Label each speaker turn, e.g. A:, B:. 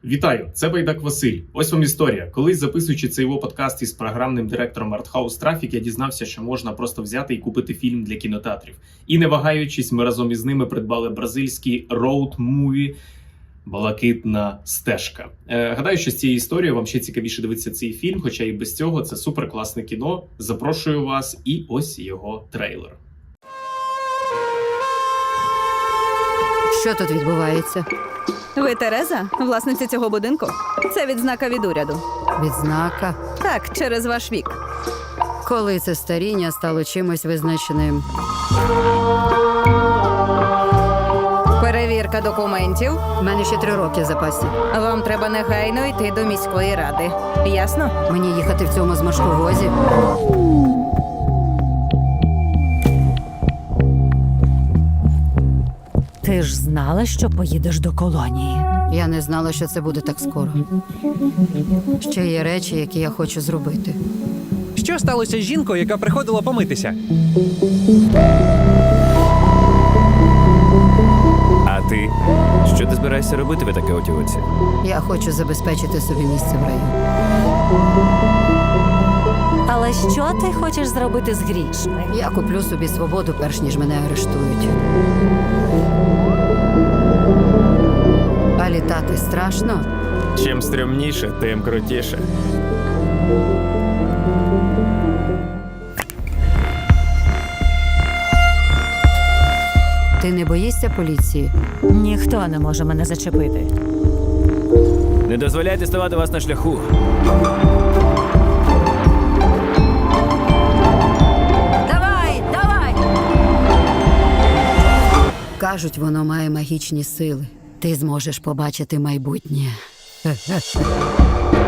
A: Вітаю, це Байдак Василь. Ось вам історія. Колись, записуючи цей його подкаст із програмним директором Arthouse Traffic, я дізнався, що можна просто взяти і купити фільм для кінотеатрів. І не вагаючись, ми разом із ними придбали бразильський роуд-муві «Блакитна стежка». Гадаю, що з цієї історії вам ще цікавіше дивитися цей фільм, хоча і без цього це суперкласне кіно. Запрошую вас, і ось його трейлер.
B: Що тут відбувається?
C: Ви Тереза, власниця цього будинку? Це відзнака від уряду.
B: Відзнака.
C: Так, через ваш вік.
B: Коли це старіння стало чимось визначеним?
C: Перевірка документів.
B: У мене ще 3 роки в запасі.
C: Вам треба негайно йти до міської ради. Ясно?
B: Мені їхати в цьому зморшковозі?
D: Ти ж знала, що поїдеш до колонії?
B: Я не знала, що це буде так скоро. Ще є речі, які я хочу зробити.
E: Що сталося з жінкою, яка приходила помитися?
F: А ти? Що ти збираєшся робити в такій отівоці?
B: Я хочу забезпечити собі місце в раю.
D: Але що ти хочеш зробити з грішми?
B: Я куплю собі свободу, перш ніж мене арештують. А літати страшно?
F: Чим стрімніше, тим крутіше.
B: Ти не боїшся поліції?
D: Ніхто не може мене зачепити.
F: Не дозволяйте ставати вас на шляху.
B: Давай, давай! Кажуть, воно має магічні сили. Ти зможеш побачити майбутнє.